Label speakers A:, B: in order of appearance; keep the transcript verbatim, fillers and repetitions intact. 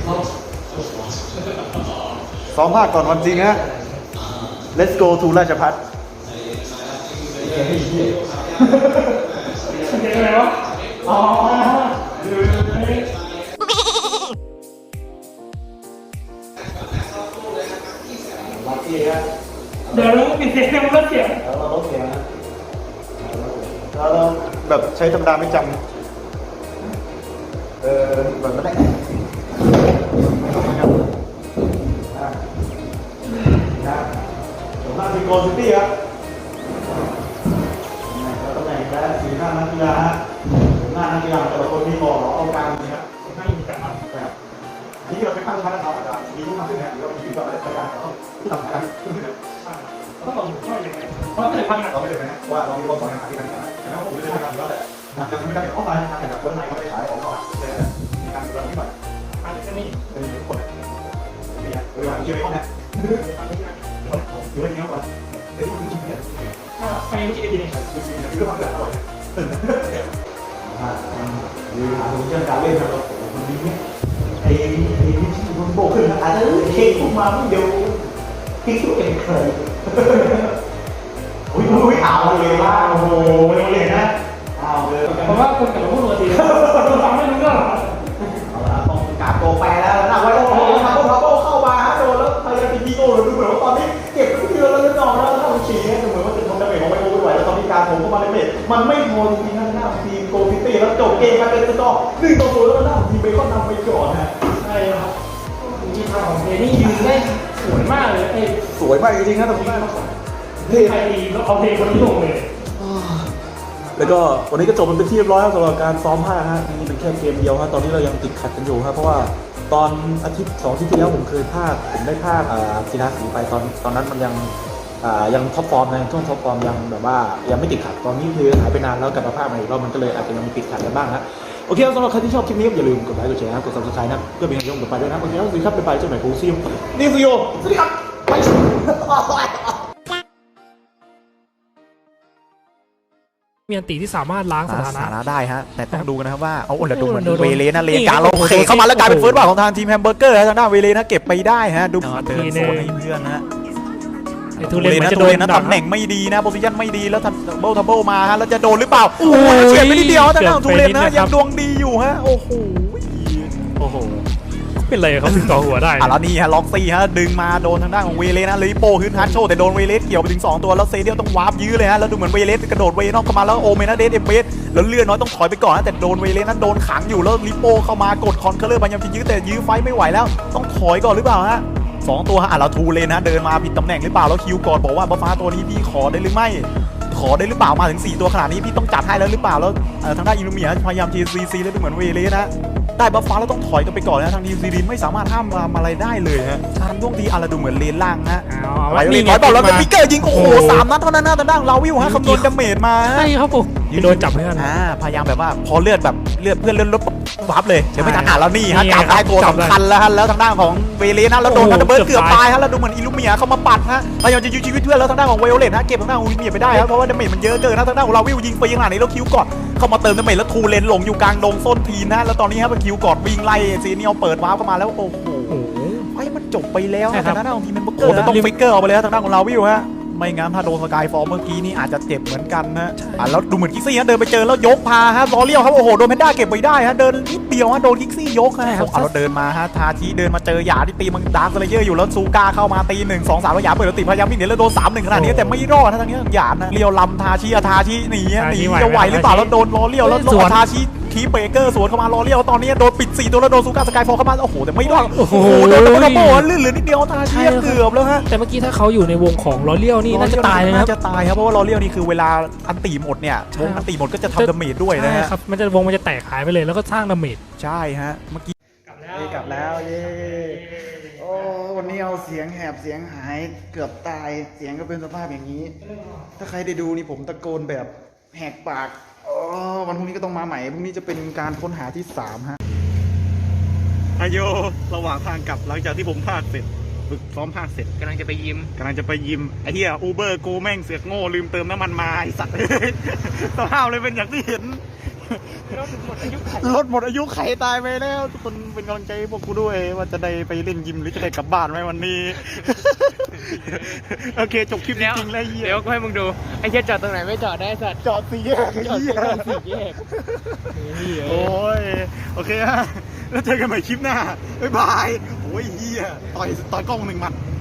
A: ซ้อมภาคก่อนวันจริงฮะ Let's go to ราชพัฒน์
B: เก่งอะไรวะอ๋อ
A: ลักกี้ฮะ
B: เดี๋ยวเราปิดเสียงมันลดเสียง
A: แล้วเราลดเสียงนะแล้วเราแบบใช้ธรรมดาไม่จำเออแบบไม่ได้นะผมมาที่โกลซิตี้ครับแล้วตำแหน่งและสีหน้านักกีฬาฮะหน้านักกีฬาแต่ละคนมีบอกเอากลางนะครับให้มีแต่ครับนี่เราไปตั้งชั้นนะครับอาจารย์มีที่มาขึ้นเนี่ยเรามีแบบอะไรประการต้องที่ทำการขึ้นเนี่ย
B: ต้องบอกช่วยยังไงเพราะแต่พันหนัก
A: เราไม่ได้ไหมว่าเรามีความสามารถที่กันแต่ว่าผมไม่ได้ทำแล้วแหละยังไม่ได้เอาไปทางแบบคนไหนเขาไปขายของเขาเลยมีการดูแลที่หน่อย
B: อันนี้ก็นี่
A: เป็นคนเนี่ยเวลาชื่อเขาเนี่ยอยู่ในนี้ก่อนแต่ที่คุณจริงเนี่ย
B: ถ้าไปไม่กินดีเนี่ย
A: จริงๆคือความเดือดร้อนอ่าคือหาดูเรื่องการเล่นนะครับมันดีเนี่ยไอ้ไอ้ที่มันโบขึ้นอาจจะเช็คขึ้นมาเดี๋ยวคิดว่าเป็นใครอุ้ยอุ้ยเอาเลยว่าโอ้โหไม่ต้องเรียนนะเอาเลย
B: เพราะว่าคนกับพวกเราดีเราฟังไม่รู้เรื่องหรอ
A: เอาละต้องกาโตแปรแล้วนะไว้โอ้โหทาโก้ทาโก้เข้ามาฮะโดนแล้วพยายามจะยิงโก้เลยดูเหมือนว่าตอนนี้เก็บทุกเดือนแล้วนอนแล้วถ้ามันฉี่เนี่ยดูเหมือนว่าจะทำดาเมจของไวโอไม่ไหวแล้วตอนนี้การผมเข้ามาในเมจมันไม่พอจริงๆนะหน้าทีมโกลซิตี้แล้วจบเกมมาเป็นสกอร์หนึ่งต่อศูนย์แล้วหน้าทีมเบคอนนำไปก่อนฮะ
B: ใช่ครับทีมของเดนี่ยืนได้สวยมากเลยไอ้
A: สวยมากจริงๆนะตรงนี้เท่
B: ไทยดีแล้วเอาเพลงคนนี้ลงเลย
A: แล้วก็วันนี้ก็จบมันเป็นที่เรียบร้อยแล้วสำหรับการซ้อมผ้าฮะนี่เป็นแค่เกมเดียวฮะตอนนี้เรายังติดขัดกันอยู่ครับเพราะว่าตอนอาทิตย์สองอาทิตย์ที่แล้วผมเคยพากผมได้พากศิลาสีไปตอนตอนนั้นมันยังยังท็อปฟอร์มในช่วงท็อปฟอร์มยังแบบว่ายังไม่ติดขัดตอนนี้คือหายไปนานแล้วกลับมาพากใหม่อีกรอบมันก็เลยอาจจะยังมีติดขัดกันบ้างฮะโอเคสำหรับใครที่ชอบคลิปนี้อย่าลืมกดไลค์กดแชร์กด ซับสไครบ์ นะเพื่อเป็นกำลังใจต่อไปด้วยนะโอเคครับสวัสดีครับบ๊ายบายเจ้าใหม่ฟูซิลนี่ซิโยสวัสดีครับ
C: มีอันตีที่สามารถล้างสถานะ
A: สถานะได้ฮะแต่ต้องดูกันนะครับว่าเอาโอ้แล้วดูเหมือนเวเลนะเลนกลางเราโอเคเข้ามาแล้วกลายเป็นเฟิร์สบอลของทางทีมแฮมเบอร์เกอร์ทางด้านเวเลนะเก็บไปได้ฮะดูเดินโซนให้เพื่อนนะ
C: ไอ้ทุเรน
A: นะ
C: มันจะ
A: ทุ
C: โด
A: เร
C: น
A: นนะ
C: ดัก
A: ตำแหน่งไม่ดีนะโพซิชั่นไม่ดีแล้วทันเบิลทับเบิลมาฮะแล้วจะโดนหรือเปล่าโอ้โหเฉียดไปนิดเดียวทางด้านทุเรนนะยังดวงดีอยู่ฮะโอ้โหโอ้โห
C: เป็นไรเขาถึงต่อหัวได้
A: อ่ะแล้วนี่ฮะล็อกซี่ฮะดึงมาโดนทางด้านของเวเลสนะลิโป้ฮึดฮัทโชแต่โดนเวเลสเกี่ยวไปถึงสองตัวแล้วเซเดียลต้องวาร์ปยื้อเลยฮะแล้วดูเหมือนเวเลสกระโดดเวนอกเข้ามาแล้วโอเมนาเดสเอ็มเบสแล้วเลื่อนน้อยต้องถอยไปก่อนนะแต่โดนเวเลสนั้นโดนขังอยู่แล้วลิโป้เข้ามากดคอนเคอร์เลอร์พยายามจะยื้อแต่ยื้อไฟไม่ไหวแล้วต้องถอยก่อนหรือเปล่าฮะสองตัวฮะอ่ะแล้วทูเลนนะเดินมาผิดตำแหน่งหรือเปล่าแล้วคิวก่อนบอกว่าบัฟฟ้าตัวนี้พี่ขอได้หรือไม่ขอได้หรือเปล่ามาถึงสี่ตัวขนาดนี้พี่ต้องจัดให้แล้วหรือเปล่าแล้วทางด้านอิลูเมียพยายามทีซีซีแล้วดูเหมือนเวเลสนะได้บัฟฟ้าแล้วต้องถอยกันไปก่อนนะทางทีมซีรีนไม่สามารถห้ามอะไรได้เลยฮะทางดวงทีอะไรดูเหมือนเลนล่างนะ
C: เอา
A: ไป
C: ว่า
A: เล
C: นี่
A: น
C: ไง
A: ถอยบอลแล้วเป็น
C: มา
A: ปิกเกอร์ยิงโอ้โหสามนัดเท่านั้นนะทางด้านลาวิวฮะคำนวณดาเมจมา
C: ใช่ครับผมโดนจับเพื่อน
A: อ่าพยายามแบบว่าพอเลือดแบบเลือดเพื่อนเลือดลดวับเลยเดี๋ยวไม่ทันอ่านแล้วนี่ฮะจับได้ตัวสำคัญแล้วฮะแล้วทางด้านของเวเลสนะแล้วโดนทันเบิร์ดเกือบตายฮะแล้วดูเหมือนอิลูเมียเข้ามาปัดฮะพยายามจะยื้อชีวิตเพื่อนแล้วทางด้านของเวโอเลตฮะเก็บทางด้านของอิลูเมียไปได้ครับเพราะว่าดาเมจมันเยอะเกินนะทางด้านของลาวิวยิงไปยังหลังนี้แล้วคิวก่อนเข้ามาเติมดาเมจแล้วทูเลนหลงอยู่กลางดงส้นทีนะแล้วตอนนี้ครับคิวก่อนวิ่งไล่ซีเนียลเปิดวาร์ปเข้ามาแล้วโอ้โหไอ้มันจบไปแล้วทางด้านของทีมแมนเบอร์เกอร์ต้องฟิกเกอร์ออกไปเลยทางด้านของลาวิวฮะไม่งั้นถ้าโดนสกายฟอร์เมื่อกี้นี่อาจจะเจ็บเหมือนกันนะอ่ะแล้วดูเหมือนคิกซี่ฮะเดินไปเจอแล้วยกพาฮะล้อเลี้ยวครับโอ้โหโดนแพนด้าเก็บไว้ได้ฮะเดินนิดเดียวฮะโดนคิกซี่ยกฮะเอาแล้วเดินมาฮะทาชิเดินมาเจอหยาที่ตีมันดาร์คสเลเยอร์อยู่แล้วซูก้าเข้ามาตีหนึ่งสองสามแล้วหยาเปิดแล้วติดพยายามวิ่งหนีแล้วโดนสามหนึ่งขนาดนี้แต่ไม่รอดนะทางนี้หยานะเลี้ยวลำทาชิอะทาชิหนีหนีจะไหวหรือเปล่าแล้วโดนล้อเลี้ยวแล้วทาชิคีเบเกอร์สวนเข้ามาล้อเลี้ยวตอนนี้โดนปิดสี่ตัวแล้วโดนซูก้าสกายฟอร์เข้ามาโอ้โหแต่ไม่รอดโอ้โหโดนดับเบิลโบลื่นเหลือนิดเดียวทาชิเกือบแล้วฮะ
C: แต่เมื่อกี้ถ้าเขาอยู่ในวงของลอเลียวนี่น่าจะตายเลยนะครับ
A: น่าจะตายครับเพราะว่าลอเลียวนี่คือเวลาอันตีหมดเนี่ยวงอันตีหมดก็จะทำดาเมจด้วยนะฮะ
C: ครับมันจะวงมันจะแตกหายไปเลยแล้วก็สร้างดาเมจ
A: ใช่ฮะเมื่อกี้
B: กลับแล้ว
A: กลับแล้วเย้โอ้วันนี้เอาเสียงแหบเสียงหายเกือบตายเสียงก็เป็นสภาพอย่างนี้ ถ้าใครได้ดูนี่ผมตะโกนแบบแหกปากอ๋อวันพรุ่งนี้ก็ต้องมาใหม่พรุ่งนี้จะเป็นการค้นหาที่สามฮะอายโยระหว่างทางกลับหลังจากที่ผมพากเสร็จฝึกซ้อมพากเสร็จ
C: กำลังจะไปยิม
A: กำลังจะไปยิมไอ้เหี้ยอูเบอร์กูแม่งเสือกโง่ลืมเติมน้ำมันมาไอ้สัตว์ สภาพเลยเป็นอย่างที่เห็น
B: รถหมดอายุขัน
A: รถหมดอายุไขตายไปแล้วทุกคนเป็นกำลังใจให้พวกกูด้วยว่าจะได้ไปเล่นยิมหรือจะได้กลับบ้านไหมวันนี้ โอเคจบคลิปจริงๆแล้วเหี้ย
B: เดี๋ยวก็ให้มึงดูไอ้เหี้ยจอดตรงไหนไม่จอดได้สัตว์
A: จอดสี่แยก
B: จอด
A: เหี้ย
B: ตรงสี่แยกเหี้ย
A: โอ้ยโอเคฮะแล้วเจอกันใหม่คลิปหน้าบ๊ายบายโอ้ยเฮียต่อยต่อยกล้องหนึ่งหมัน